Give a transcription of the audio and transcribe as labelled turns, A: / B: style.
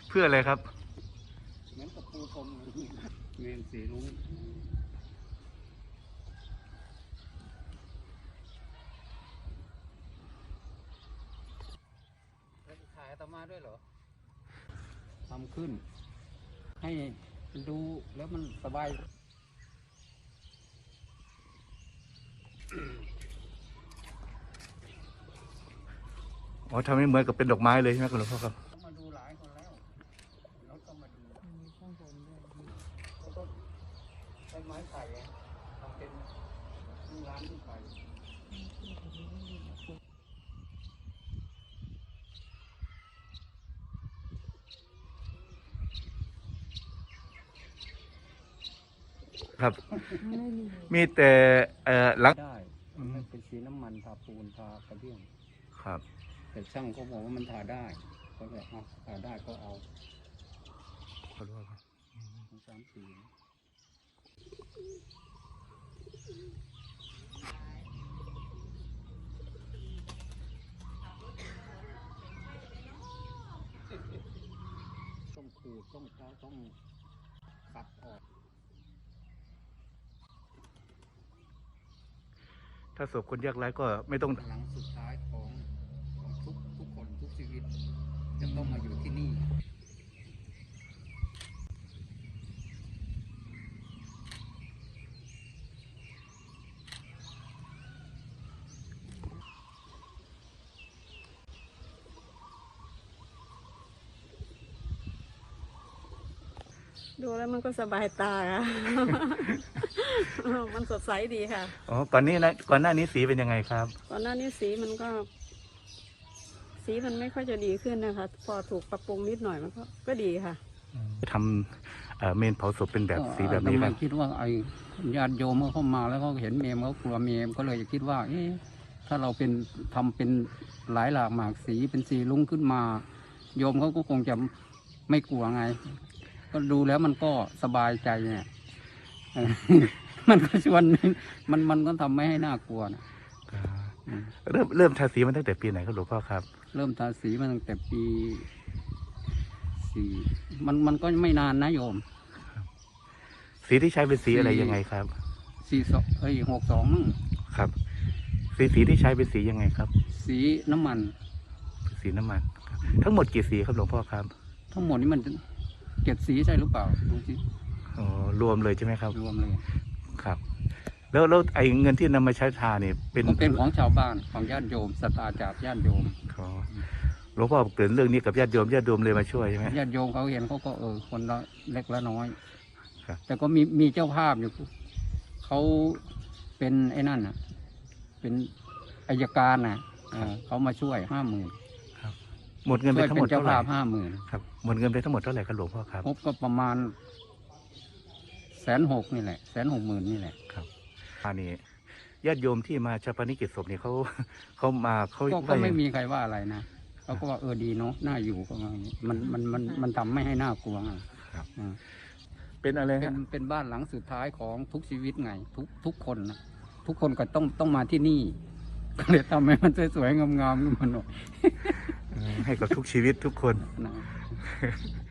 A: เพื่ออะไรครับ
B: เหมือนกับปูพรมเมนสีรุ้งถ่ายอาตมาด้วยเหรอทำขึ้นให้ดูแล้วมันสบาย
A: อ๋อทำให้เหมือนกับเป็นดอกไม้เลยใช่ไหมคุณหลวงพ่อครับ
B: มาดูหลายคนแล้วรถก็มาดูข้างบนด้วยแล้วก็ใช้ไม้ไผ่ทำเป็นร้านที่ไผ่
A: ครับ มีแต่หลัง
B: ได้เป็นสีน้ำมันทาปูนทากระเบื้อง
A: ครับ
B: แต่ช่างเขาบอกว่ามันทาได้ก็เลยเอาทาได้ก็เอา
A: ขอโทษครับ
B: 3 สีต้องขูดต้องขัดออก
A: ถ้าศพคนยากไร้ก็ไม่ต้อง
B: หลังสุดท้ายของทุกคนทุกชีวิตจะต้องมาอยู่ที่นี่
C: ดูแล้วมันก็สบายตาค่ะ มันสดใสดีค่ะ
A: อ๋อก่อนหน้านี้สีเป็นยังไงครับ
C: ก่อนหน้านี้สีมันไม่ค่อยจะดีขึ้นนะคะพอถูกปรับปรุงนิดหน่อยมันก็ดีค่ะ
A: ทำเมนเผาศพเป็นแบบสีแบบนี้ครับ
B: คิดว่าไอ้ญาติโยมเมื่อเข้ามาแล้วเขาเห็นเมมเขากลัวเมมก็เลยคิดว่าถ้าเราทำเป็นหลายหลากหมากสีเป็นสีลุ้งขึ้นมาโยมเขาก็คงจะไม่กลัวไงก็ดูแล้วมันก็สบายใจเนี่ย มันก็ชวนมันก็ทำไม่ให้น่ากลัวนะ
A: เริ่มทาสีมันตั้งแต่ปีไหนครับหลวงพ่อครับ
B: เริ่มทาสีมาตั้งแต่ปี 4มันก็ไม่นานนะโยม
A: สีที่ใช้เป็นสีอะไรยังไงครับ
B: 62นั่ง
A: ครับสีที่ใช้เป็นสียังไงครับ
B: สีน้ำมัน
A: ทั้งหมดกี่สีครับหลวงพ่อครับ
B: ทั้งหมดนี้มัน7 สีใช่หรือเปล่าดูสิ
A: อ๋อรวมเลยใช่ไหมครับ
B: รวมเลย
A: ครับแล้วไอ้เงินที่นำมาใช้ทาเนี่ย
B: เป็นของชาวบ้านของญาติโยมศรัทธาจากญาติโยม
A: หลวงพ่อเกิดเรื่องนี้กับญาติโยมเลยมาช่วยใช่ไหม
B: ญาติโยมเขาเห็นเขาก็คนละเล็กละน้อยแต่ก็มีเจ้าภาพอยู่เขาเป็นไอ้นั่นน่ะเป็นอัยการน่ะเขามาช่วย50,000
A: ครับหมดเงินไปทั้งหมดเท่าไหร่
B: 50,000
A: ครับหมดเงินไปทั้งหมดเท่าไหร่ครับหลวงพ่อครับ
B: ก็ประมาณ160,000นี่แหละ160,000นี่แหละ
A: ครับอันนี้ญาติโยมที่มาชาปนกิจศพเนี่ยเขามา
B: ก็ไม่มีใครว่าอะไรนะเขาก็ว่าดีเนาะน่าอยู่ก็มันทำไม่ให้น่ากลัวไง
A: ครับเป็นอะไรครับ
B: เป็นบ้านหลังสุดท้ายของทุกชีวิตไงทุกคนนะทุกคนก็ต้องมาที่นี่ก็เลยทำให้มันสวยๆงามๆขึ้นมาหน่อย
A: ให้กับทุกชีวิตทุกคน